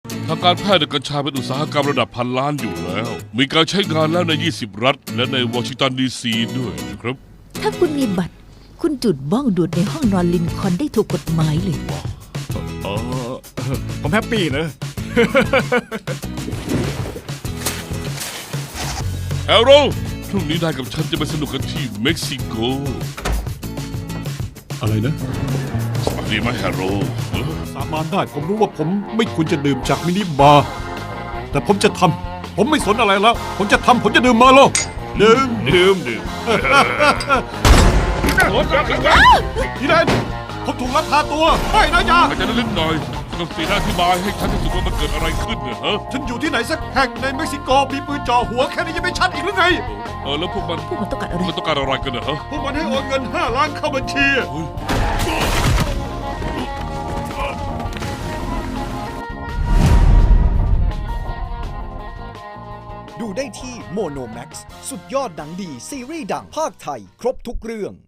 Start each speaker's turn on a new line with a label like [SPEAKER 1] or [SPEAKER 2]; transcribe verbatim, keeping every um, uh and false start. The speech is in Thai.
[SPEAKER 1] ทางการแพทย์ในกัญชาเป็นอุตสาหกรรมระดับพันล้านอยู่แล้ว มีการใช้งานแล้วใน ยี่สิบ รัฐ และในวอชิงตันดีซีด้วยนะครับ
[SPEAKER 2] ถ้าคุณมีบัตร คุณจุดบ้องดูดในห้องนอนลินคอล์นได้ถูกกฎหมายเลย
[SPEAKER 3] เออผมแฮปปี้นะ
[SPEAKER 1] แฮร์โรพรุ่งนี้นายกับฉันจะไปสนุกกันที่เม็กซิโก
[SPEAKER 4] อะไรนะ
[SPEAKER 1] สวัสดีไหมแฮร์โรเออ
[SPEAKER 4] สาบานได้ผมรู้ว่าผมไม่ควรจะดื่มจากมินิบาร์แต่ผมจะทำผมไม่สนอะไรแล้ว ผมจะทำผมจะดื่มมาแล้วดื่ม
[SPEAKER 1] ดื่มดื่ม
[SPEAKER 4] พี่แดนผมถูกลักพาตัวไม่นะยา
[SPEAKER 1] อาจจะลึกหน่อยต้องสีหน้าอธิบายให้ฉันที่สุดว่ามันเกิดอะไรขึ้นเนี่ยฮะ
[SPEAKER 4] ฉันอยู่ที่ไหนสักแห่งในเม็กซิโกมีปืนจ่อหัวแค่นี้ยังไม่ชัดอีกหรือไง
[SPEAKER 1] เออแล้วพวกมัน
[SPEAKER 2] พวกมันต้องการอะไร
[SPEAKER 1] มันต้องการอะไรกันเนยฮะ
[SPEAKER 4] พวกมันให้โอนเงินห้าล้านเข้าบัญชี
[SPEAKER 1] เฮ้ย
[SPEAKER 5] ดูได้ที่โมโนแม็กซ์สุดยอดหนังดีซีรีส์ดังภาคไทย ครบทุกเรื่อง